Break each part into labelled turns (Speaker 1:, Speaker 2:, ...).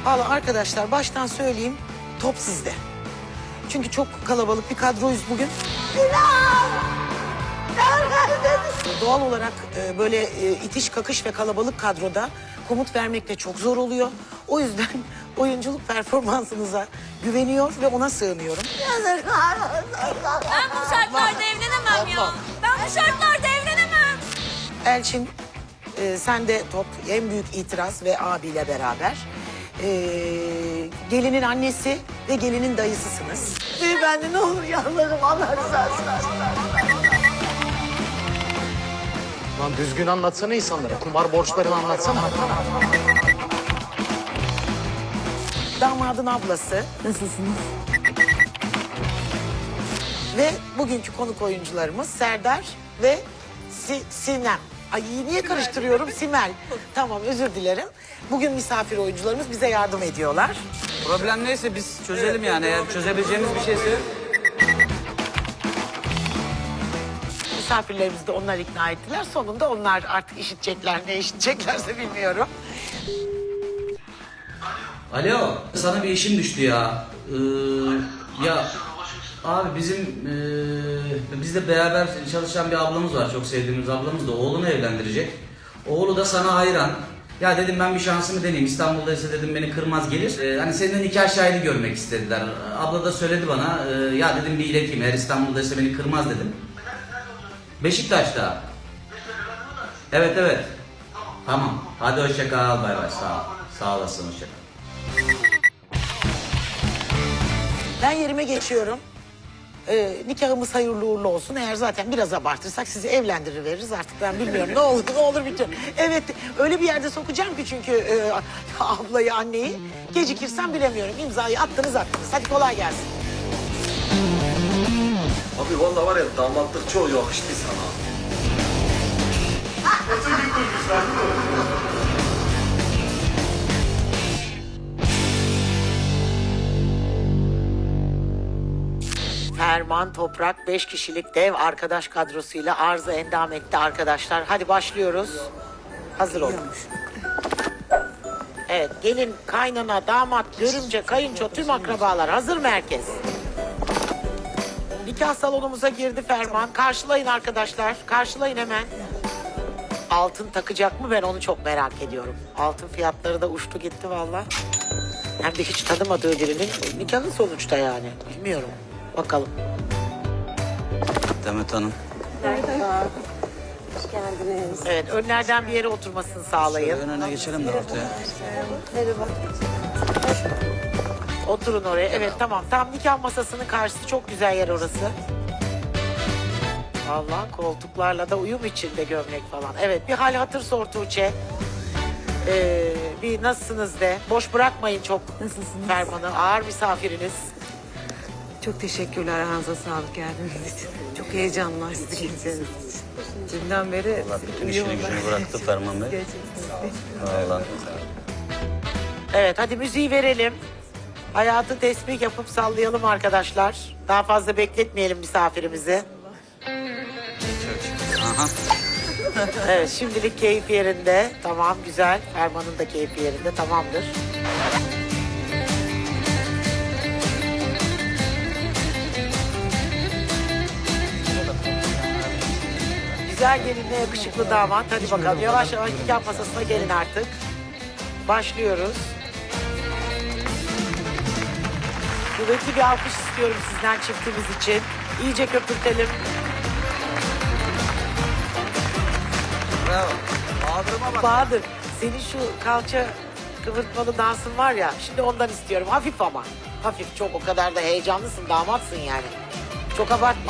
Speaker 1: Valla arkadaşlar baştan söyleyeyim, top sizde. Çünkü çok kalabalık bir kadroyuz bugün. Doğal olarak böyle itiş kakış ve kalabalık kadroda komut vermek de çok zor oluyor. O yüzden oyunculuk performansınıza güveniyor ve ona sığınıyorum.
Speaker 2: Ben bu şartlarda evlenemem ya. Ben bu şartlarda evlenemem.
Speaker 1: Elçin, sen de top en büyük itiraz ve abiyle beraber. Gelinin annesi ve gelinin dayısısınız.
Speaker 3: Beyefendi ne olur yalvarırım Allah rızası için.
Speaker 4: Lan düzgün anlatsana insanlara. Kumar borçlarını anlatsana.
Speaker 1: Damadın ablası.
Speaker 3: Nasılsınız?
Speaker 1: Ve bugünkü konuk oyuncularımız Serdar ve Sinem. Ay niye karıştırıyorum? Simel. Tamam özür dilerim. Bugün misafir oyuncularımız bize yardım ediyorlar.
Speaker 5: Problem neyse biz çözelim yani. Eğer çözebileceğimiz bir şeyse.
Speaker 1: Misafirlerimizi de onlar ikna ettiler. Sonunda onlar artık işitecekler, ne işiteceklerse bilmiyorum.
Speaker 5: Alo, sana bir işim düştü ya. Ya abi bizim bizle beraber çalışan bir ablamız var. Çok sevdiğimiz ablamız da oğlunu evlendirecek. Oğlu da sana hayran. Ya dedim ben bir şansımı deneyeyim. İstanbul'daysa dedim beni kırmaz gelir. Hani seninle nikah şahidi görmek istediler. Abla da söyledi bana. Ya dedim bir ileteyim. Eğer İstanbul'daysa beni kırmaz dedim. Beşiktaş'ta. Evet evet. Tamam. Hadi hoşça kal. Bay bay. Sağ ol. Sağ olasın. Hoşça kal.
Speaker 1: Ben yerime geçiyorum. Nikahımız hayırlı uğurlu olsun. Eğer zaten biraz abartırsak sizi evlendiriveririz artık, ben bilmiyorum. Ne olur bitiyor. Evet öyle bir yerde sokacağım ki çünkü ablayı, anneyi. Gecikirsem bilemiyorum. İmzayı attınız. Hadi kolay gelsin.
Speaker 6: Abi vallahi var ya damatlık çok yakıştı sana.
Speaker 1: Ferman Toprak 5 kişilik dev arkadaş kadrosuyla arıza endam etti arkadaşlar. Hadi başlıyoruz. Hazır olun. Evet, gelin, kaynana, damat, görümce, kayınço, tüm akrabalar hazır mı herkes? Nikah salonumuza girdi Ferman. Karşılayın arkadaşlar. Karşılayın hemen. Altın takacak mı, ben onu çok merak ediyorum. Altın fiyatları da uçtu gitti valla. Hem de hiç tanımadığı birinin nikahı sonuçta yani. Bilmiyorum. Bakalım.
Speaker 5: Demet Hanım.
Speaker 3: Hoş geldiniz.
Speaker 1: Evet, önlerden bir yere oturmasını sağlayın.
Speaker 5: Ön öne geçelim de ortaya.
Speaker 3: Merhaba.
Speaker 1: Oturun oraya. Evet, tamam. Tam nikah masasının karşısı, çok güzel yer orası. Allah, koltuklarla da uyum içinde gömlek falan. Evet, bir hal hatır sor Tuğçe. Bir nasılsınız de. Boş bırakmayın çok
Speaker 3: Nasılsınız?
Speaker 1: Ferman'ı. Ağır misafiriniz.
Speaker 3: Çok teşekkürler ayağınıza sağlık geldiğiniz için. Çok heyecanlı sizi geleceğiniz için. Dünden beri
Speaker 5: Bütün işini gücünü bıraktı Ferman Bey. Vallahi.
Speaker 1: Evet, hadi müziği verelim. Hayatı tesbih yapıp sallayalım arkadaşlar. Daha fazla bekletmeyelim misafirimizi.
Speaker 5: Aha.
Speaker 1: Evet, şimdilik keyif yerinde. Tamam, güzel. Ferman'ın da keyfi yerinde. Tamamdır. Güzel gelinle yakışıklı damat. Hadi bakalım, yavaş yavaş nikah masasına gelin artık. Başlıyoruz. Kuvvetli bir alkış istiyorum sizden çiftimiz için. İyice köpürtelim.
Speaker 5: Bravo. Bağdırma bak.
Speaker 1: Bahadır, senin şu kalça kıvırtmalı dansın var ya, şimdi ondan istiyorum. Hafif ama. Hafif, çok o kadar da heyecanlısın, damatsın yani. Çok abartma.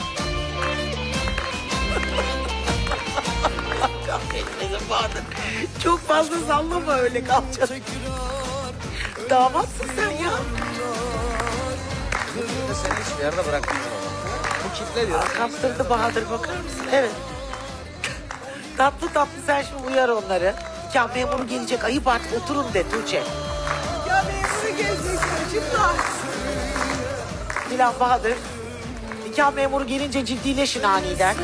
Speaker 1: Kahretmesin Bahadır. Çok fazla sallama öyle kalçanı. Damatsın sen ya.
Speaker 5: Seni hiçbir yerde bırakmıyorum. Bu kitle diyor.
Speaker 1: Kaptırdı Bahadır, bakar mısın? Evet. Tatlı tatlı sen şimdi uyar onları. Nikah memuru gelecek, ayıp artık, oturun de Tuğçe.
Speaker 3: Ya memuru gelecek çocuklar.
Speaker 1: Dilan, Bahadır. Nikah memuru gelince ciddileşin aniden.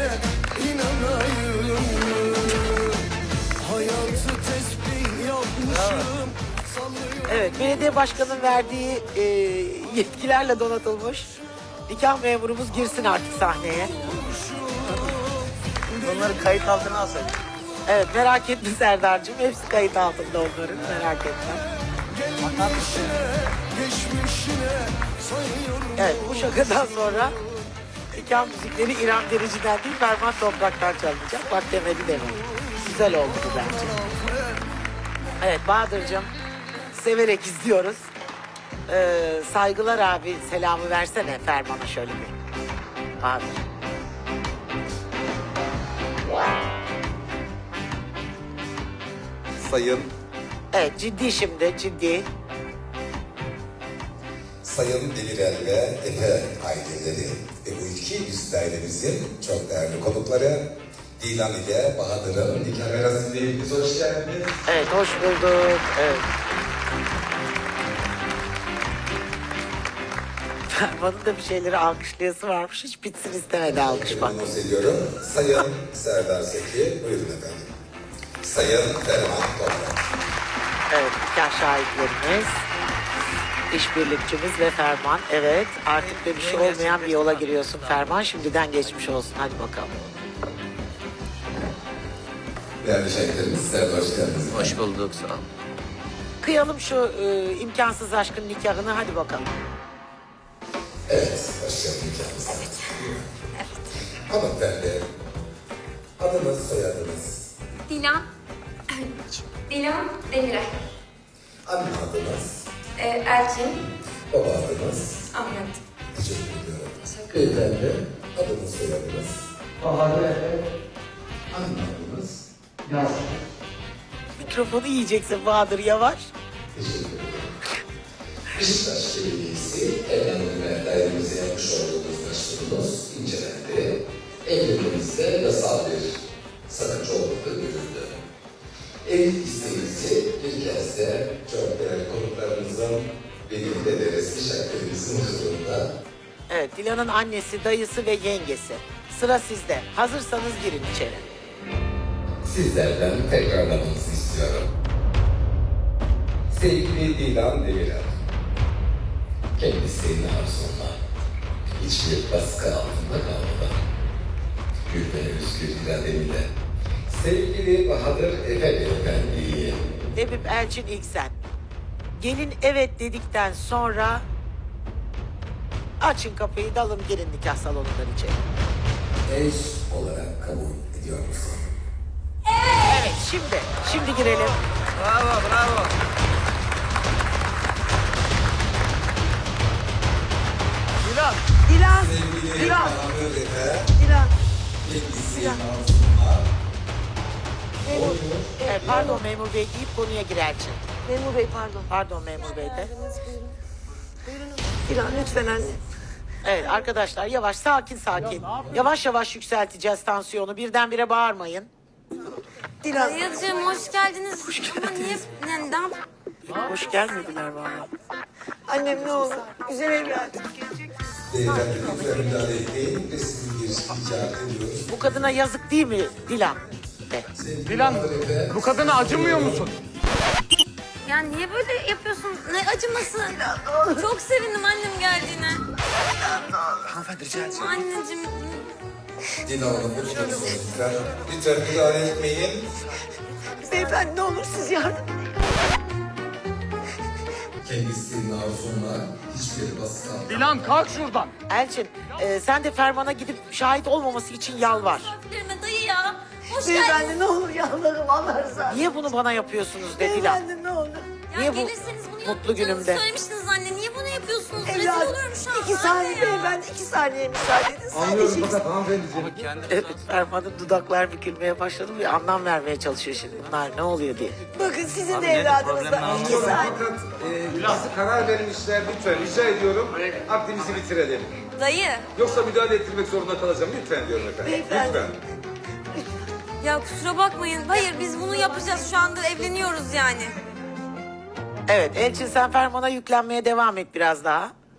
Speaker 7: Hayatı tesbih yapmış
Speaker 1: Evet, belediye başkanının verdiği yetkilerle donatılmış nikah memurumuz girsin artık sahneye.
Speaker 6: Bunları kayıt altına alsaydık.
Speaker 1: Evet, merak etme Serdar'cığım. Hepsi kayıt altında onların, merak etme. Evet, bu şakadan sonra nikah müzikleri İrem Derici'den değil, Ferman Toprak'tan çalınacak. Bak demedi demedi. Güzel oldu bu bence. Evet, Bahadır'cığım, severek izliyoruz. Saygılar abi, selamı versene Ferman'a şöyle bir. Bahadır.
Speaker 7: Sayın
Speaker 1: Evet, ciddi şimdi, ciddi.
Speaker 7: Sayın Demirel ve Efe aileleri ve bu iki üst ailemizin çok değerli konukları Dilan ile Bahadır'ın nikah merasimine hoş geldiniz.
Speaker 1: Evet, hoş bulduk. Evet. Ferman'ın da bir şeyleri alkışlayası varmış. Hiç bitsin istemedi alkış bak.
Speaker 7: Anons ediyorum. Sayın Serdar Seki, buyurun efendim. Sayın Ferman Toprak.
Speaker 1: Evet, nikah şahitlerimiz, işbirlikçimiz ve Ferman. Evet, artık da bir şey olmayan bir yola giriyorsun Ferman. Şimdiden geçmiş olsun. Hadi bakalım.
Speaker 7: Değerli şahitlerimiz, size hoş geldiniz.
Speaker 5: Hoş bulduk, sağ ol.
Speaker 1: Kıyalım şu imkansız aşkın nikahını. Hadi bakalım.
Speaker 7: Evet, başlayalım nikahımıza. Hanımefendi, adınız, soyadınız,
Speaker 2: Dilan. Dilan Demirel.
Speaker 7: anne adınız,
Speaker 2: Elçin.
Speaker 7: baba adınız.
Speaker 2: Ahmet.
Speaker 7: Teşekkür ediyorum. Beyefendi, adınız, soyadınız, anne adınız.
Speaker 1: Mikrofonu yiyeceksin Bahadır, yavaş.
Speaker 7: Teşekkür ederim. Beşiktaş Belediyesi evlendirme dairemize yapmış olduğunuz başvurunuz incelendi. Evliliğinizde yasal bir sakınca olmadığı görüldü. Evlilik isteğinizi bir kez de çok değerli konuklarımızın birlikte de resmi şartlarımızın huzurunda
Speaker 1: Evet, Dilan'ın annesi, dayısı ve yengesi. Sıra sizde. Hazırsanız girin içeri.
Speaker 7: sizlerden tekrarlamanızı istiyorum. Sevgili Dilan Demirel, kendisinin arzunla hiçbir baskı altında kalmadan hür ve özgür irademle sevgili Bahadır Efe Beyefendi'yi
Speaker 1: Ebip Elçin ilk sen. Gelin evet dedikten sonra açın kapıyı, dalın girin nikah salonundan içeri.
Speaker 7: eş olarak kabul ediyor musun?
Speaker 1: Evet, şimdi girelim.
Speaker 6: Bravo, bravo.
Speaker 1: Dilan,
Speaker 7: Sevgili
Speaker 1: Dilan,
Speaker 7: Bahadır Efe,
Speaker 1: Dilan.
Speaker 7: kendisinin arzunla
Speaker 1: Evet, pardon memur bey deyip konuya gir Elçin.
Speaker 3: Memur Bey pardon.
Speaker 1: Pardon memur bey de.
Speaker 3: Dilan lütfen anne.
Speaker 1: Evet arkadaşlar, yavaş, sakin. Yavaş yavaş yükselteceğiz tansiyonu. Birdenbire bağırmayın.
Speaker 3: Dilan.
Speaker 2: Dayıcığım hoş geldiniz. Ama niye? Neden?
Speaker 1: Hoş gelmediler vallahi.
Speaker 3: Annem ne olur. Güzel evladım.
Speaker 7: beyefendi lütfen müdahale etmeyin ve sizin girişini icap ediyoruz.
Speaker 1: Bu kadına yazık değil mi Dilan? De.
Speaker 4: Dilan, bu kadına acımıyor musun?
Speaker 2: Ya niye böyle yapıyorsun? Ne acıması? Çok sevindim annem geldiğine.
Speaker 6: Hanımefendi rica etsem.
Speaker 2: Anneciğim.
Speaker 7: Dilan Hanım lütfen lütfen. Lütfen müdahale etmeyin.
Speaker 3: Beyefendi ne olur siz yardım edin.
Speaker 7: Kendisinin arzunla hiçbir baskı altında
Speaker 4: Dilan kalk şuradan.
Speaker 1: Elçin, sen de Ferman'a gidip şahit olmaması için yalvar.
Speaker 2: Verme dayı ya. Hoş geldin.
Speaker 3: Beyefendi ne olur yalvarırım Allah rızası.
Speaker 1: Niye bunu bana yapıyorsunuz de Dilan?
Speaker 3: Beyefendi ne olur.
Speaker 2: Ya
Speaker 1: Niye bu
Speaker 2: gelirseniz bunu
Speaker 1: mutlu
Speaker 2: yapacağınızı
Speaker 1: günümde?
Speaker 2: söylemiştiniz anne. Niye bunu yapıyorsunuz? Rezil
Speaker 3: Evladım
Speaker 2: oluyorum şu an.
Speaker 3: 2 saniye beyefendi 2 saniye müsaade edin. Sadece
Speaker 1: Evet, Ferman'ın dudaklar bükülmeye başladı ve anlam vermeye çalışıyor şimdi. Bunlar ne oluyor diye.
Speaker 3: bakın sizin de evladınızdan 2 saniye.
Speaker 8: Nasıl karar vermişler lütfen rica ediyorum aktimizi bitirelim.
Speaker 2: Dayı.
Speaker 8: Yoksa müdahale ettirmek zorunda kalacağım lütfen diyorum efendim.
Speaker 3: Beyefendi.
Speaker 8: Lütfen.
Speaker 2: Ya kusura bakmayın. Hayır biz bunu yapacağız. Şu anda evleniyoruz yani.
Speaker 1: Evet, Elçin sen Ferman'a yüklenmeye devam et biraz daha.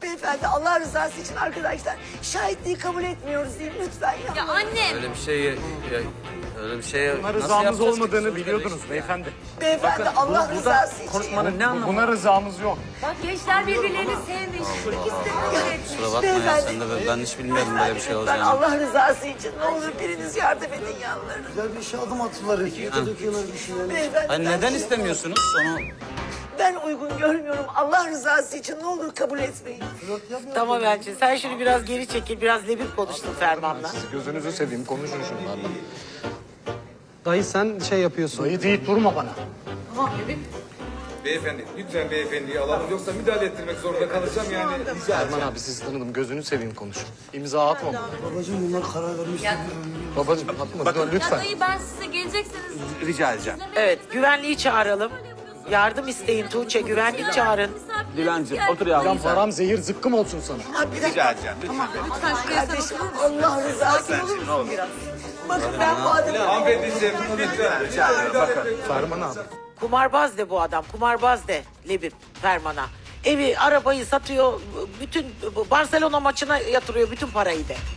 Speaker 9: Beyefendi Allah rızası için arkadaşlar şahitliği kabul etmiyoruz değil mi? Lütfen ya.
Speaker 2: Ya annem.
Speaker 5: Öyle bir şey öyle bir şey
Speaker 4: Buna rızamız olmadığını biliyordunuz beyefendi.
Speaker 9: Beyefendi Allah rızası için.
Speaker 6: Konuşmanın ne anlamı?
Speaker 4: Buna rızamız yok.
Speaker 3: Bak gençler birbirlerini sevmiş. İkisi de kabul etmiş.
Speaker 5: Kusura bakma ya sen de ben hiç bilmiyordum böyle bir şey
Speaker 9: Ben
Speaker 5: olacağını.
Speaker 9: Allah rızası için ne olur biriniz yardım edin yanlarına.
Speaker 6: Güzel bir şey adım attılar. Hükümete döküyorlar bir şeyler.
Speaker 9: Beyefendi
Speaker 5: Hani
Speaker 9: ben
Speaker 5: neden
Speaker 9: şey-
Speaker 5: istemiyorsunuz onu?
Speaker 9: Ben uygun görmüyorum. Allah rızası için ne olur kabul etmeyin.
Speaker 1: Tamam Elçin sen şimdi biraz geri çekil. Biraz lebip konuştun Ferman'la.
Speaker 4: Gözünüzü seveyim konuşun şunlarla.
Speaker 10: Dayı sen şey yapıyorsun.
Speaker 4: Dayı deyip durma bana.
Speaker 8: Beyefendi, lütfen beyefendiyi alalım. Yoksa müdahale ettirmek zorunda kalacağım yani.
Speaker 4: Erman abi sizi tanıdım gözünü seveyim konuşun. İmza atma bana.
Speaker 6: Babacığım bunlar karar vermişler.
Speaker 4: Babacığım atma dur
Speaker 2: Ya
Speaker 4: lütfen.
Speaker 2: dayı ben size gelecekseniz.
Speaker 6: Rica edeceğim.
Speaker 1: Evet güvenliği çağıralım. Yardım isteyin Tuğçe güvenlik çağırın.
Speaker 6: Dilancığım otur yavrum
Speaker 4: Lan param zehir zıkkım olsun sana.
Speaker 9: Ha, bir dakika.
Speaker 6: Rica edeceğim. Lütfen.
Speaker 9: Kardeşim Allah rızası için olur musun biraz? Bakın ben bu adamı...
Speaker 8: Hanımefendi lütfen.
Speaker 6: Rica ederim. Bakın.
Speaker 4: Ferman abi.
Speaker 1: Kumarbaz de bu adam. Kumarbaz de Lebip Ferman'a. Evi, arabayı satıyor. Bütün Barcelona maçına yatırıyor bütün parayı de.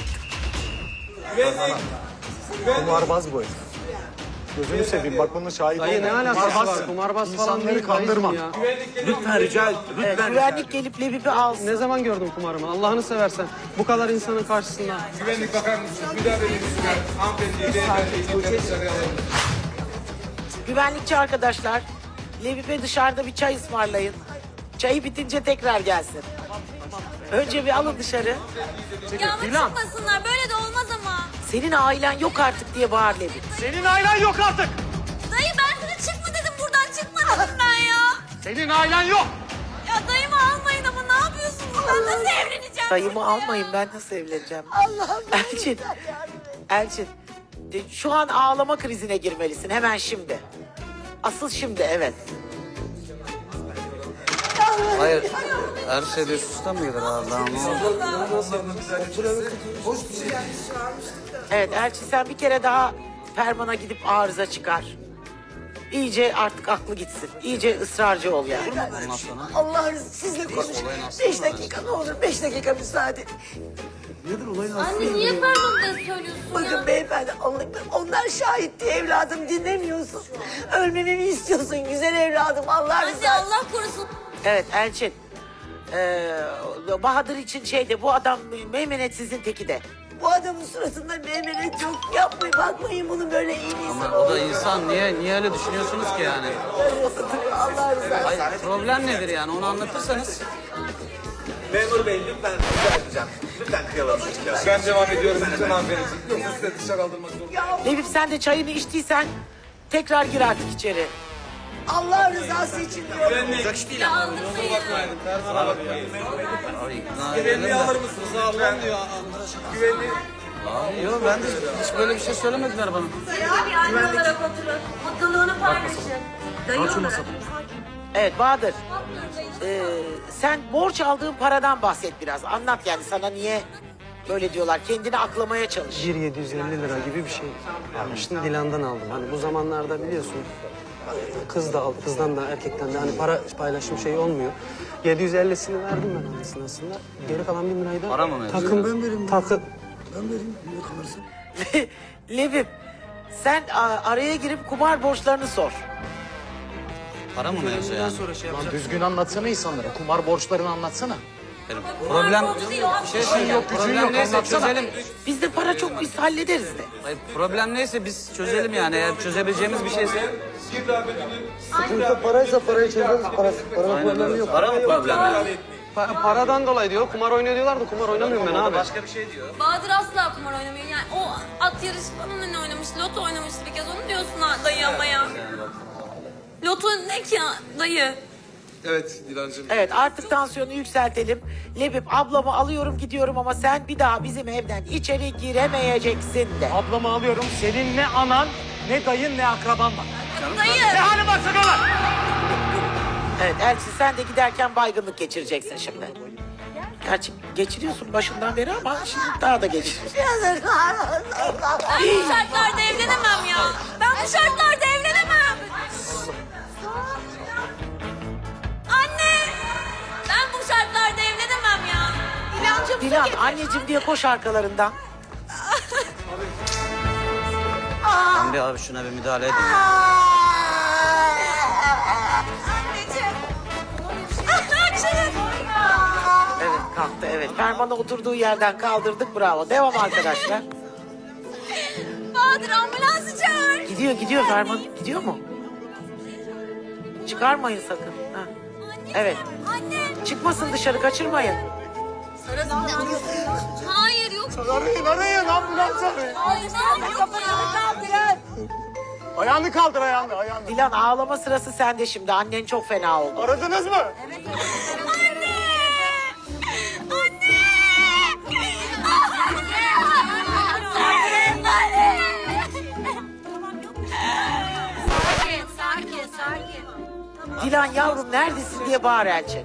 Speaker 4: Kumarbaz bu herif. Gözünü seveyim bak bunun şahit
Speaker 10: Dayı ne alakası var? Kumarbaz falan
Speaker 4: İnsanları
Speaker 10: değil.
Speaker 4: kandırma.
Speaker 10: dayıcım ya.
Speaker 6: Lütfen rica
Speaker 1: Evet,
Speaker 6: lütfen.
Speaker 1: güvenlik gelip Lebip'i alsın.
Speaker 10: Ne zaman gördün kumarımı? Allah'ını seversen. Bu kadar insanın karşısında.
Speaker 8: Güvenlik bakar mısınız? Müdahale edin lütfen. Hanımefendiyi, beyefendiyi dışarıya alalım.
Speaker 1: Güvenlikçi arkadaşlar, Lebip'e dışarıda bir çay ısmarlayın. Çayı bitince tekrar gelsin. Önce bir alın dışarı.
Speaker 2: Ya ama çıkmasınlar böyle de olmaz ama.
Speaker 1: Senin ailen yok artık diye bağır Lebip.
Speaker 4: Senin ailen yok artık.
Speaker 2: Dayı ben sana çıkma dedim buradan çıkma dedim ben ya.
Speaker 4: Senin ailen yok.
Speaker 2: Ya dayımı almayın ama ne yapıyorsunuz? Ben nasıl evleneceğim?
Speaker 1: Dayımı almayın ben nasıl evleneceğim?
Speaker 9: Allah'ım
Speaker 1: Elçin, Elçin şu an ağlama krizine girmelisin hemen şimdi. Asıl şimdi evet.
Speaker 5: Hayır. Her şeyde üst üste mi gelir Allah'ım?
Speaker 1: Evet Elçin sen bir kere daha Ferman'a gidip arıza çıkar. İyice artık aklı gitsin. İyice ısrarcı ol yani.
Speaker 5: Ondan sonra.
Speaker 9: Allah rızası sizle konuş. 5 dakika ne olur 5 dakika müsaade.
Speaker 2: Anne niye Ferman'da söylüyorsun
Speaker 9: Bakın
Speaker 2: ya?
Speaker 9: beyefendi onlar şahit diye evladım dinlemiyorsun. Ölmemi mi istiyorsun güzel evladım Allah
Speaker 2: Anne
Speaker 9: rızası.
Speaker 2: Allah korusun.
Speaker 1: Evet Elçin. Bahadır için şeyde bu adam meymenetsizin teki de.
Speaker 9: Bu adamın suratında meymenet yok. Yapmayın bakmayın bunun böyle iyi bir insan
Speaker 5: O da
Speaker 9: olduğunu.
Speaker 5: insan niye öyle düşünüyorsunuz ki yani?
Speaker 9: Allah rızası.
Speaker 5: Hayır, problem nedir yani onu anlatırsanız.
Speaker 6: Memur bey lütfen rica edeceğim. Lütfen kıyalım şu çocuğa.
Speaker 8: Ben devam ediyorum lütfen hanımefendi. Yoksa size dışarı aldırmak zorunda.
Speaker 1: Lebip sen de çayını içtiysen tekrar gir artık içeri.
Speaker 9: Allah rızası için diyorum.
Speaker 2: Ya aldırsayın.
Speaker 8: Güvenliği alır mısınız? Lütfen. Güvenliği.
Speaker 5: Yok ben de hiç böyle bir şey söylemediler bana.
Speaker 2: Bir anne olarak oturun. Mutluluğunu paylaşın. Dayı olarak.
Speaker 1: Evet Bahadır. Sen borç aldığın paradan bahset biraz. Anlat yani sana niye böyle diyorlar. Kendini aklamaya çalış.
Speaker 10: 1.750 lira gibi bir şey almıştım. Dilan'dan aldım. Hani bu zamanlarda biliyorsun kız da aldı. Kızdan da erkekten de hani para paylaşım şeyi olmuyor. 750'sini verdim ben annesine aslında. Geri kalan 1000 lirayı da
Speaker 5: Para mı mevzu?
Speaker 10: takım.
Speaker 1: Lebip sen araya girip kumar borçlarını sor.
Speaker 5: Para mı mevzu yani?
Speaker 4: Lan düzgün anlatsana insanlara. Kumar borçlarını anlatsana.
Speaker 5: Problem
Speaker 2: borcu değil o abi.
Speaker 5: bir şey söyleyeceğim. Problem neyse
Speaker 4: anlatsana.
Speaker 5: çözelim.
Speaker 1: Bizde para çok biz hallederiz de.
Speaker 5: Hayır, problem neyse biz çözelim yani eğer çözebileceğimiz bir şeyse.
Speaker 10: Paraysa parayı çözeriz. Para problemi yok.
Speaker 5: Para mı problem yani?
Speaker 10: Paradan dolayı diyor. Kumar oynuyor diyorlar da kumar oynamıyorum ben abi.
Speaker 5: Başka bir şey diyor.
Speaker 2: Bahadır asla kumar oynamıyor. Yani o at yarışı falan hani oynamış, loto oynamıştı bir kez. Onu diyorsun ha, dayı ama ya. Loto ne ki ya dayı?
Speaker 8: Evet Dilancığım.
Speaker 1: Evet artık tansiyonu yükseltelim. Lebip ablamı alıyorum gidiyorum ama sen bir daha bizim evden içeri giremeyeceksin de.
Speaker 4: Ablamı alıyorum. Senin ne anan, ne dayın, ne akraban var.
Speaker 2: Dayı!
Speaker 4: Ne halin varsa gör.
Speaker 1: Evet Elçin sen de giderken baygınlık geçireceksin şimdi. Gerçi geçiriyorsun başından beri ama şimdi daha da geçiriyorsun.
Speaker 2: Ben bu şartlarda evlenemem ya. Ben bu şartlarda evlenemem. Anne! Ben bu şartlarda evlenemem. Anneciğim su
Speaker 1: Dilan
Speaker 2: getir.
Speaker 1: anneciğim diye koş arkalarından.
Speaker 5: Ben bir abi şuna bir müdahale edin.
Speaker 2: Anneciğim. Açın.
Speaker 1: Evet kalktı evet. Ferman'ı oturduğu yerden kaldırdık bravo. Devam arkadaşlar.
Speaker 2: Bahadır ambulansı çağır.
Speaker 1: Gidiyor Ferman. Gidiyor mu? Çıkarmayın sakın. Ha. Evet.
Speaker 2: Anne.
Speaker 1: Çıkmasın dışarı kaçırmayın.
Speaker 2: Hayır yok.
Speaker 4: Arayın ambulans arayın.
Speaker 2: Hayır yok ya.
Speaker 4: Ayağını kaldır ayağını.
Speaker 1: Dilan ağlama sırası sende şimdi. Annen çok fena oldu.
Speaker 4: Aradınız mı?
Speaker 2: Anne. Anne. Anne. Sakin.
Speaker 1: Dilan yavrum neredesin diye bağır Elçin.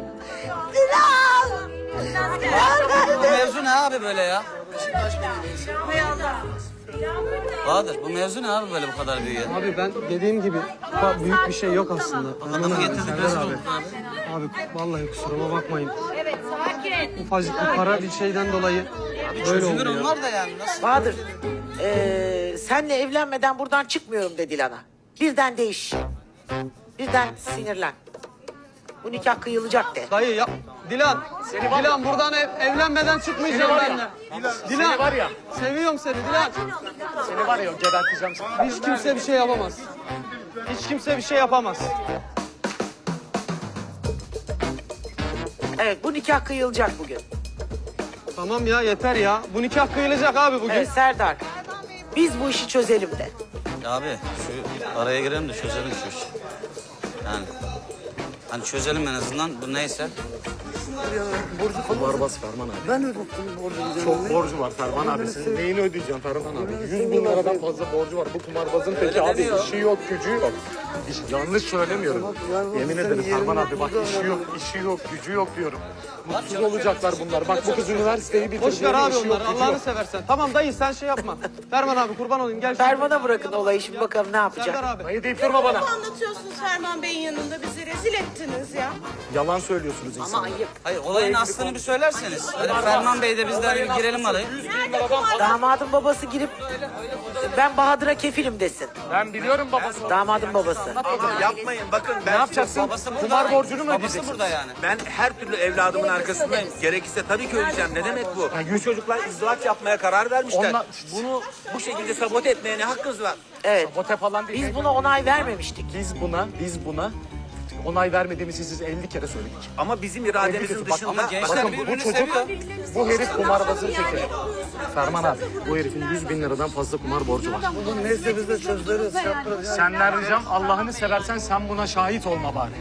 Speaker 5: Bu mevzu ne abi böyle ya? Bahadır bu mevzu ne abi böyle bu kadar büyüyor?
Speaker 10: Abi ben dediğim gibi büyük bir şey yok aslında.
Speaker 5: Adamı getirdik
Speaker 10: Serdar
Speaker 5: rezil
Speaker 10: abi.
Speaker 5: olduk abi.
Speaker 10: Abi vallahi kusuruma bakmayın. Evet sakin. Ufacık bir para bir şeyden dolayı böyle
Speaker 5: Çözülür
Speaker 10: oldu ya.
Speaker 5: onlar da yani nasıl?
Speaker 1: Bahadır senle evlenmeden buradan çıkmıyorum de Dilan'a. Birden değiş. Birden sinirlen. Bu nikah kıyılacak de.
Speaker 10: Dayı ya. Dilan. Dilan buradan evlenmeden çıkmayacağım benimle. Dilan.
Speaker 4: Seni var ya.
Speaker 10: Seviyorum seni Dilan.
Speaker 4: Seni var ya geberteceğim seni.
Speaker 10: Hiç kimse bir şey yapamaz. Hiç kimse bir şey yapamaz.
Speaker 1: Evet bu nikah kıyılacak bugün.
Speaker 10: Tamam ya yeter ya. Bu nikah kıyılacak abi bugün.
Speaker 1: Evet Serdar. Biz bu işi çözelim de.
Speaker 5: Abi şu araya girelim de çözelim şu işi. Yani hani çözelim en azından bu neyse.
Speaker 4: Kumarbaz Ferman abi. Ben ödedim borcunu. Çok borcu var Ferman abi. Senin neyini ödeyeceğim Ferman abi? 100 bin liradan fazla borcu var. Bu kumarbazın peki abi işi yok, gücü yok. Yanlış söylemiyorum. Yemin ederim Ferman abi bak işi yok, gücü yok diyorum. Mutsuz olacaklar bunlar. Bak bu kız üniversiteyi bitirdi.
Speaker 10: Boş ver abi
Speaker 4: işi yok,
Speaker 10: onları
Speaker 4: gücü
Speaker 10: Allah'ını
Speaker 4: yok.
Speaker 10: seversen. Tamam dayı sen şey yapma. Ferman abi kurban olayım gel.
Speaker 1: Ferman'a bırakın olayı şimdi bakalım ne yapacak.
Speaker 10: Serdar abi.
Speaker 4: Dayı deyip durma bana.
Speaker 11: Anlatıyorsunuz Ferman Bey'in yanında bizi rezil ettiniz ya.
Speaker 4: Yalan söylüyorsunuz insanlara.
Speaker 5: Hayır olayın aslını bir söylerseniz. Hani Ferman Bey de bizler bir girelim araya.
Speaker 1: Damadın babası girip ben Bahadır'a kefilim desin.
Speaker 4: Ben biliyorum babası.
Speaker 1: Damadın babası.
Speaker 6: Yapmayın bakın ben
Speaker 4: Ne yapacaksın?
Speaker 5: Babası burada.
Speaker 4: Kumar borcunu mu
Speaker 5: Babası
Speaker 4: ödeyeceksin?
Speaker 5: burada yani.
Speaker 6: Ben her türlü evladımın arkasındayım. Gerekirse tabii ki öleceğim. Ne demek bu? Bu çocuklar izdivaç yapmaya karar vermişler.
Speaker 4: Onlar-
Speaker 6: Bunu bu şekilde sabote etmeye ne hakkınız var?
Speaker 1: Evet.
Speaker 4: Bote falan değil.
Speaker 1: Biz buna onay vermemiştik.
Speaker 4: Biz buna onay vermediğimizi siz 50 kere söyledik.
Speaker 6: Ama bizim irademizin
Speaker 4: Bak,
Speaker 6: dışında...
Speaker 5: ama gençler
Speaker 4: Bakın bu
Speaker 5: birbirini
Speaker 4: çocuk,
Speaker 5: seviyor.
Speaker 4: bu herif kumarbazın teki. Ferman abi, bu herifin 100 bin liradan fazla kumar borcu var.
Speaker 8: Neyse biz de çözeriz.
Speaker 4: Senden ricam Allah'ını seversen sen buna şahit olma bari.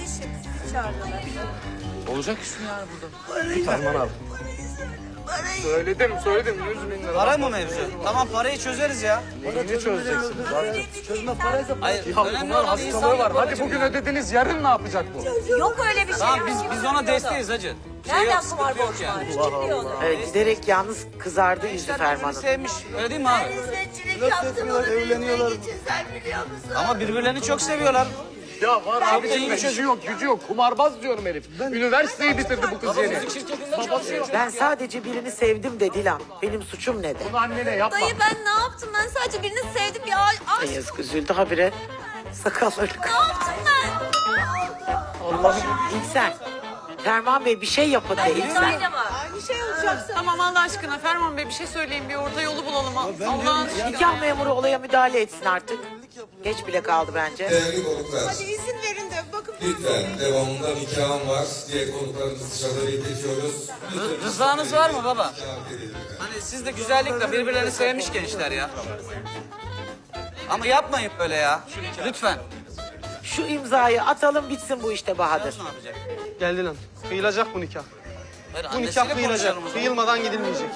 Speaker 4: Olacak iş mi yani burada? Ferman abi. Söyledim 100 bin lira.
Speaker 5: Para mı mevzu? Tamam parayı çözeriz ya.
Speaker 4: Neyini çözeceksiniz zaten?
Speaker 8: Çözme paraysa
Speaker 5: Hayır
Speaker 4: Ya
Speaker 5: önemli
Speaker 4: bunlar
Speaker 5: olan insan
Speaker 4: hastalığı var. Hadi
Speaker 5: babacığım
Speaker 4: bugün
Speaker 5: ya.
Speaker 4: ödediniz, yarın ne yapacak bu?
Speaker 2: Yok öyle bir şey.
Speaker 5: Tamam biz ona desteğiz hacı. Şey yok, sıkıntı yok yani.
Speaker 1: Evet, giderek yalnız kızardı yüzü
Speaker 5: Gençler birbirini
Speaker 1: Ferman'ın.
Speaker 5: sevmiş. Öyle değil mi abi?
Speaker 8: evleniyorlar.
Speaker 5: Ama birbirlerini çok seviyorlar.
Speaker 4: Ya var abi gücü yok, gücü yok. Kumarbaz diyorum herif. Üniversiteyi bitirdi bu kız yeni. Babası yok.
Speaker 1: Ben sadece birini sevdim de Dilan. Benim suçum nedir?
Speaker 4: Bunu annene yapma.
Speaker 2: Dayı ben ne yaptım? Ben sadece birini sevdim ya. Aşk.
Speaker 1: Ay yazık üzüldü habire. Sakalları.
Speaker 2: Ne yaptım ben?
Speaker 1: Allah'ım İlksen. Ferman Bey bir şey yapın de İlksen.
Speaker 11: Bir şey olacaksa.
Speaker 3: Tamam Allah aşkına Ferman Bey bir şey söyleyin bir orta yolu bulalım. Allah'ın
Speaker 1: Nikah memuru olaya müdahale etsin artık. Geç bile kaldı bence.
Speaker 7: Değerli konuklar,
Speaker 11: Hadi izin verin de bakın.
Speaker 7: lütfen devamında nikahım var diye konuklarımızı dışarıda bekletiyoruz.
Speaker 5: Rızanız var mı baba? Hani siz de güzellikle birbirlerini sevmiş gençler ya. Ama yapmayın böyle ya. Lütfen.
Speaker 1: Şu imzayı atalım bitsin bu işte Bahadır.
Speaker 5: Ne yapacak?
Speaker 10: Geldi lan. Kıyılacak bu nikah.
Speaker 5: Hayır,
Speaker 10: Bu
Speaker 5: annesiyle
Speaker 10: nikah kıyılacak.
Speaker 5: konuşalım o zaman.
Speaker 10: Kıyılmadan gidilmeyecek.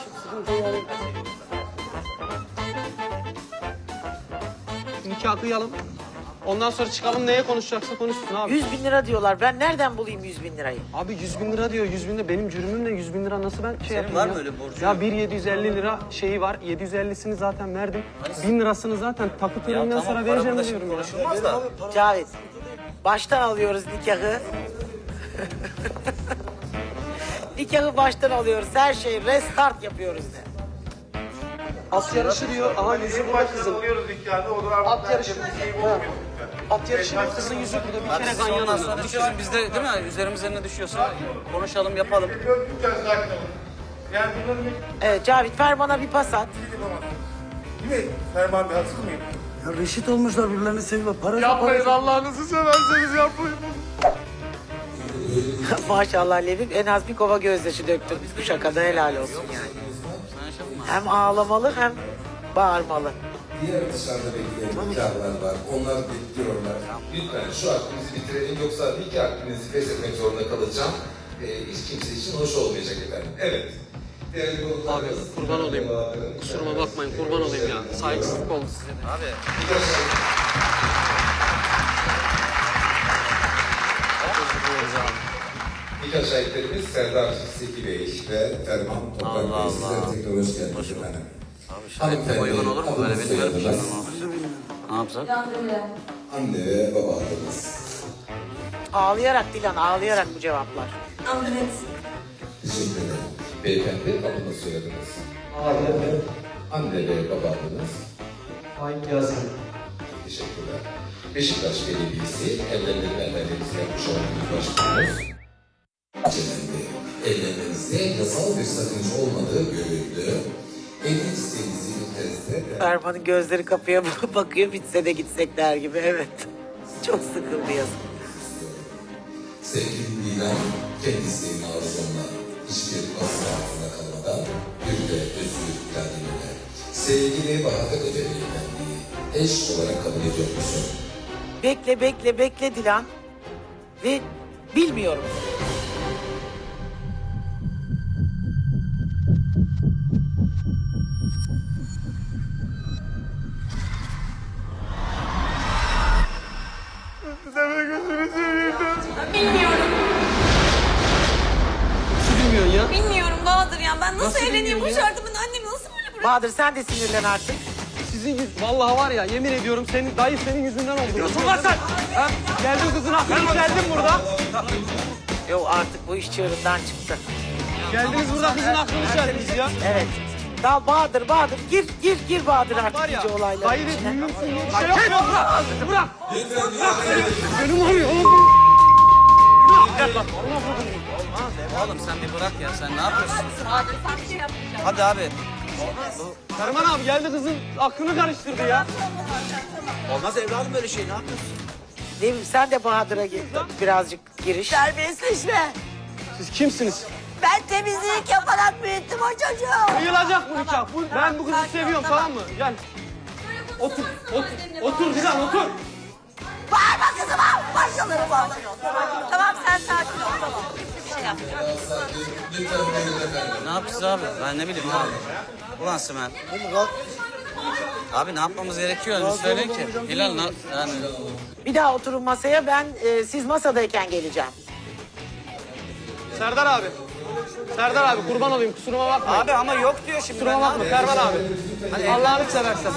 Speaker 10: Nikah kıyalım. Ondan sonra çıkalım neye konuşacaksa konuşsun abi.
Speaker 1: 100 bin lira diyorlar. Ben nereden bulayım 100 bin lirayı?
Speaker 10: Abi 100 bin lira diyor. 100 bin lira. Benim cürümüm ne? 100 bin lira nasıl ben şey yapayım
Speaker 5: var
Speaker 10: ya?
Speaker 5: mı öyle borcun?
Speaker 10: Ya 750 lira şeyi var. 750'sini zaten verdim. 1000 lirasını zaten takı töreğinden
Speaker 5: Tamam
Speaker 10: sonra
Speaker 5: para
Speaker 10: vereceğim
Speaker 5: burada şimdi
Speaker 10: diyorum ya.
Speaker 5: konuşulmaz da.
Speaker 1: Cavit. Baştan alıyoruz nikahı. Nikahı baştan alıyoruz. Her şeyi restart yapıyoruz de.
Speaker 10: At yarışı diyor. Aha yüzü burada kızın. At yarışı. Ha. At yarışı diyor. Kızın yüzü burada. Bir
Speaker 5: Bak
Speaker 10: kere
Speaker 5: siz
Speaker 10: ganyan
Speaker 5: ondan
Speaker 10: alıyor.
Speaker 5: sonra düşüyorsun. Biz de değil mi? Üzerimize ne düşüyorsa konuşalım, yapalım.
Speaker 1: Evet Cavit ver bana bir pas at.
Speaker 8: Ferman Bey haksız mıyım?
Speaker 12: Ya reşit olmuşlar birbirlerini seviyorlar. Para
Speaker 4: Yapmayın Allah'ınızı severseniz yapmayın.
Speaker 1: Maşallah Levim en az bir kova gözyaşı döktün bu şakada helal olsun yani. Hem ağlamalı hem bağırmalı.
Speaker 7: Diğer dışarıda bekleyen nikahlar var. Onlar bekliyorlar. Lütfen şu hakkımızı bitirelim yoksa nikah hakkınızı feshetmek zorunda kalacağım. Hiç kimse için hoş olmayacak efendim. Evet.
Speaker 10: Abi kurban olayım. Kusuruma bakmayın, kurban olayım ya. Saygısızlık oldu size de.
Speaker 5: Abi.
Speaker 7: Nikah şahitlerimiz Serdar Seki Bey ve Ferman Toprak Bey. Sizlere tekrar hoş geldiniz efendim.
Speaker 5: Abi şahit uygun olur mu? Böyle bilmiyorum ki. Ne yapsak?
Speaker 7: Anne ve baba adınız.
Speaker 1: Ağlayarak Dilan ağlayarak bu cevaplar.
Speaker 7: Teşekkür ederim. Beyefendi adını soyadınız. Anne ve baba adınız.
Speaker 10: Faik Yasin.
Speaker 7: Teşekkürler. Beşiktaş Belediyesi evlendirme evlendirmesi yapmış olduğunuz başkanımız. Celal Bey, evlenmenizde yasal bir sakınca olmadığı görüldü. Evlilik isteğinizi ilk
Speaker 1: Ferman'ın gözleri kapıya bakıyor bitse de gitsek der gibi evet. Çok sıkıldı yazık.
Speaker 7: Sevgili Dilan, kendi isteğini arzumla hiçbir baskı altında kalmadan bir de özgür irademle sevgili Bahadır Efendi'yi eş olarak kabul ediyor musun?
Speaker 1: Bekle Dilan. Ve bilmiyorum.
Speaker 2: Bilmiyorum.
Speaker 10: Nasıl bilmiyorsun ya?
Speaker 2: Bilmiyorum Bahadır ya. Ben nasıl,
Speaker 10: Nasıl
Speaker 2: evleneyim bu
Speaker 10: bilmiyorum ya?
Speaker 2: şartı? Ben annemi nasıl böyle bırakayım?
Speaker 1: Bahadır sen de sinirlen artık.
Speaker 10: Sizin vallahi var ya yemin ediyorum senin dayı senin yüzünden oldu. Diyorsun lan sen. Ha? Geldin kızın hakkını geldin burada.
Speaker 1: Yok artık bu iş çığırından çıktı.
Speaker 10: Geldiniz burada kızın hakkını geldiniz ya.
Speaker 1: Evet. Dal Bahadır gir Bahadır
Speaker 10: Var
Speaker 1: artık
Speaker 10: ya
Speaker 1: iyice olayların
Speaker 10: dayı
Speaker 1: içine.
Speaker 10: de büyüksün diye bir şey yok ya. Bırak. Benim arıyor oğlum. Gel bak.
Speaker 5: Oğlum sen bir bırak ya. Sen ne yapıyorsun? Hadi abi.
Speaker 10: Ferman abi geldi kızın aklını karıştırdı ya.
Speaker 6: Olmaz evladım böyle şey, ne yapıyorsun?
Speaker 1: Levim sen de Bahadır'a birazcık giriş.
Speaker 9: Terbiyesizleşme.
Speaker 10: Siz kimsiniz?
Speaker 9: Ben temizlik yaparak büyüttüm o çocuğu.
Speaker 10: Kıyılacak bu nikah. Ben bu kızı seviyorum tamam mı? Gel. Otur. Otur Dilan otur.
Speaker 9: Bağırma kızıma. Başkaları bağırıyor. Tamam sen sakin ol. Tamam. Kimse bir şey yapmıyor.
Speaker 5: Ne yapacağız abi? Ben ne bileyim abi. Ulan Sümen. Abi ne yapmamız gerekiyor? Bir söyleyin ki. Hilal yani.
Speaker 1: Bir daha oturun masaya ben siz masadayken geleceğim.
Speaker 10: Serdar abi. Serdar abi kurban olayım kusuruma bakma.
Speaker 5: Abi ama yok diyor şimdi.
Speaker 10: Kusuruma bakma Ferman abi. Allah'ını seversen.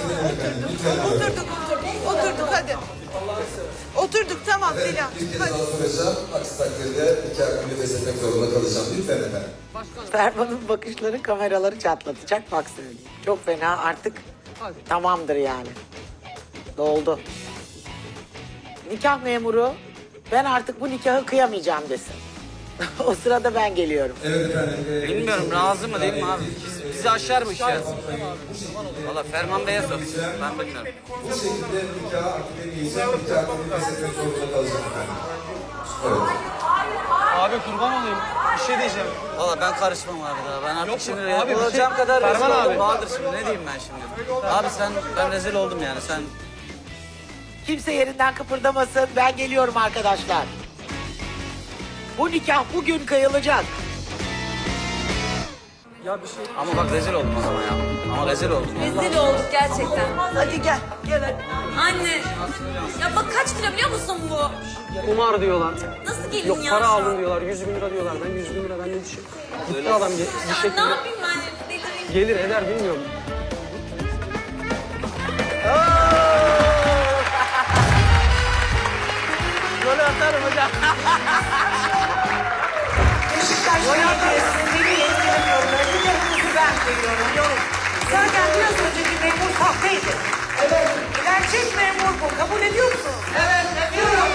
Speaker 11: Oturduk hadi. Oturduk tamam Dilan.
Speaker 7: Bir kez daha soracağım. Aksi takdirde nikah hakkını feshetmek zorunda kalacağım. Lütfen efendim.
Speaker 1: Ferman'ın bakışları kameraları çatlatacak bak söyleyeyim. Çok fena artık tamamdır yani. Doldu. Nikah memuru ben artık bu nikahı kıyamayacağım desin. O sırada ben geliyorum.
Speaker 7: Evet efendim.
Speaker 5: Bilmiyorum razı mı değil mi abi? Bizi aşar bu iş ya. Valla Ferman Bey'e sor. Ben bilmiyorum.
Speaker 7: Bu şekilde nikah akdemeyeceğim. Nikah hakkını feshetmek zorunda kalacağım efendim. Evet.
Speaker 10: Abi kurban olayım. Bir şey diyeceğim.
Speaker 5: Valla ben karışmam abi daha. Ben artık
Speaker 10: Yok,
Speaker 5: şimdi
Speaker 10: abi bir
Speaker 5: olacağım
Speaker 10: şey-
Speaker 5: kadar rezil
Speaker 10: Ferman
Speaker 5: oldum.
Speaker 10: abi.
Speaker 5: Bahadır şimdi ne diyeyim ben şimdi? Abi ben rezil oldum yani sen.
Speaker 1: Kimse yerinden kıpırdamasın. Ben geliyorum arkadaşlar. Bu nikah bugün kıyılacak.
Speaker 5: Ama bak rezil oldum o zaman ya. Ama rezil oldum.
Speaker 2: Rezil olduk gerçekten.
Speaker 9: Hadi gel. Gel hadi.
Speaker 2: Anne. Ya bak kaç kilo biliyor musun bu?
Speaker 10: Kumar diyorlar.
Speaker 2: Nasıl gelin
Speaker 10: Yok
Speaker 2: ya?
Speaker 10: para aldın diyorlar. 100 bin lira diyorlar. Ben 100 bin lira ben ne düşün. Gitti adam bir
Speaker 2: Ya ne
Speaker 10: şekilde.
Speaker 2: yapayım ben? Delireyim.
Speaker 10: Gelir eder bilmiyorum.
Speaker 1: Golü atarım hocam.
Speaker 9: Beşiktaş
Speaker 1: Beni yetkilemiyorum. Nikahımızı ben koyuyorum. Yok. Zaten biraz önceki memur sahteydi. Evet. Gerçek memur bu. Kabul ediyor musun? Evet, ediyorum.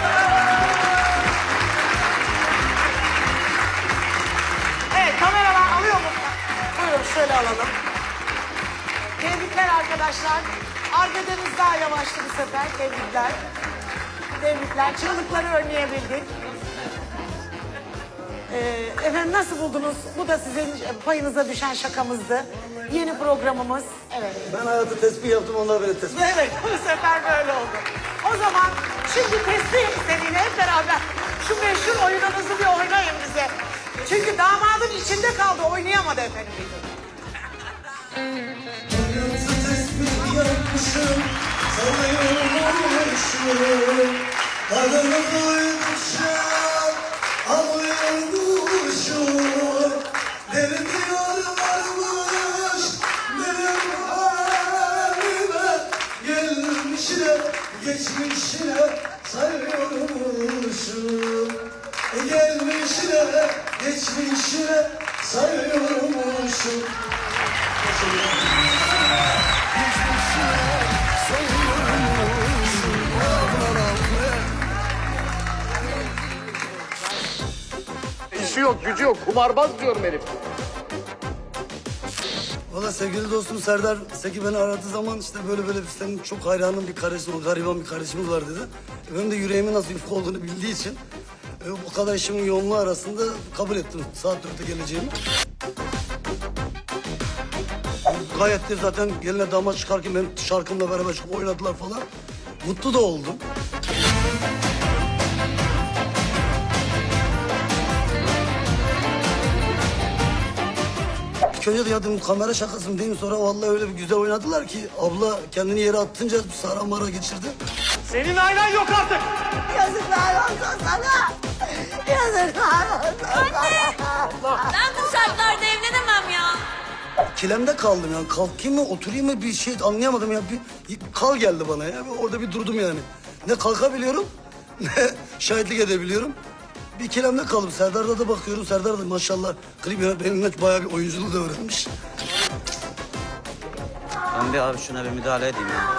Speaker 1: Evet, kameralar alıyor mu? Buyurun şöyle alalım. Tebrikler arkadaşlar. Arkadaşınız daha yavaştı bu sefer. Tebrikler. Tebrikler. Çığlıkları önleyebildik. Efendim nasıl buldunuz? Bu da sizin payınıza düşen şakamızdı. Yeni programımız. Evet.
Speaker 12: Ben hayatı tespih yaptım, onlar beni tespih.
Speaker 1: Evet, bu sefer böyle oldu. O zaman şimdi tespih seninle hep beraber şu meşhur oyununuzu bir oynayın bize. Çünkü damadın içinde kaldı, oynayamadı efendim.
Speaker 12: Hayatı tespih yapmışım, sanıyormuşum. Adını duymuşum, anlıyormuşum. Benim diyorlarmış, benim halime. Gelmişine, geçmişine sayıyormuşum. Gelmişine, geçmişine sayıyormuşum.
Speaker 4: İşi yok, gücü yok. Kumarbaz diyorum herif.
Speaker 12: Valla sevgili dostum Serdar Seki beni aradığı zaman işte böyle senin çok hayranın bir kardeşim, gariban bir kardeşimiz var dedi. Benim de yüreğimin nasıl yufka olduğunu bildiği için bu kadar işimin yoğunluğu arasında kabul ettim saat 4'te geleceğimi. Gayet de zaten geline damat çıkarken benim şarkımla beraber çıkıp oynadılar falan. Mutlu da oldum. İlk önce de ya dedim kamera şakası mı değil mi? Sonra vallahi öyle bir güzel oynadılar ki abla kendini yere attınca sara mara geçirdi.
Speaker 4: Senin ailen yok artık.
Speaker 9: Yazıklar olsun sana. Yazıklar olsun sana.
Speaker 2: Ben bu şartlarda evlenemem ya.
Speaker 12: Kilemde kaldım yani. Kalkayım mı oturayım mı bir şey anlayamadım ya. Bir kal geldi bana ya. Orada bir durdum yani. Ne kalkabiliyorum ne şahitlik edebiliyorum. Bir ikilemde kaldım. Serdar'da da bakıyorum. Serdar da maşallah klip yönetmeninden bayağı bir oyunculuğu da öğrenmiş.
Speaker 5: Ben bir abi şuna bir müdahale edeyim ya.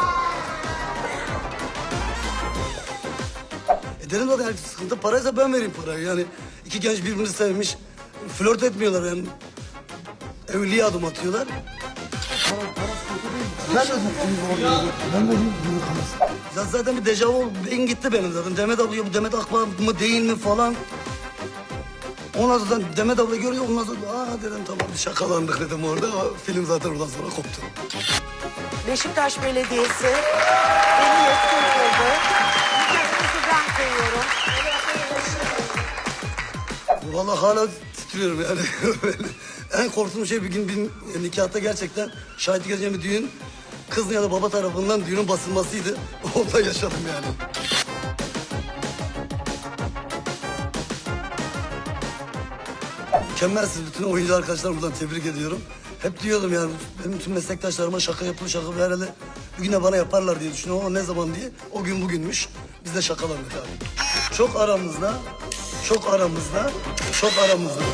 Speaker 12: Dedim zaten yani sıkıntı paraysa ben vereyim parayı. Yani iki genç birbirini sevmiş. Flört etmiyorlar yani. Evliliğe adım atıyorlar. Ya zaten bir dejavu beyin gitti benim zaten. Demet abla bu Demet Akbağ mı değil mi falan. Ondan sonra Demet abla görüyor. Ondan sonra dedim tamam şakalandık dedim orada. Film zaten oradan sonra koptu.
Speaker 1: Beşiktaş Belediyesi beni yetkin kıldı. Nikahımızı ben koyuyorum.
Speaker 12: Vallahi hala titriyorum yani. En korktuğum şey bir gün bir nikahta gerçekten şahitlik edeceğim bir düğün. Kız ya da baba tarafından düğünün basılmasıydı. Ondan yaşadım yani. Mükemmelsiniz. Bütün oyuncu arkadaşlarımı buradan tebrik ediyorum. Hep diyordum yani benim tüm meslektaşlarıma şaka yapıyor herhalde bir güne bana yaparlar diye düşünüyorum ama ne zaman diye o gün bugünmüş. Biz de şakalandık abi. Çok aramızda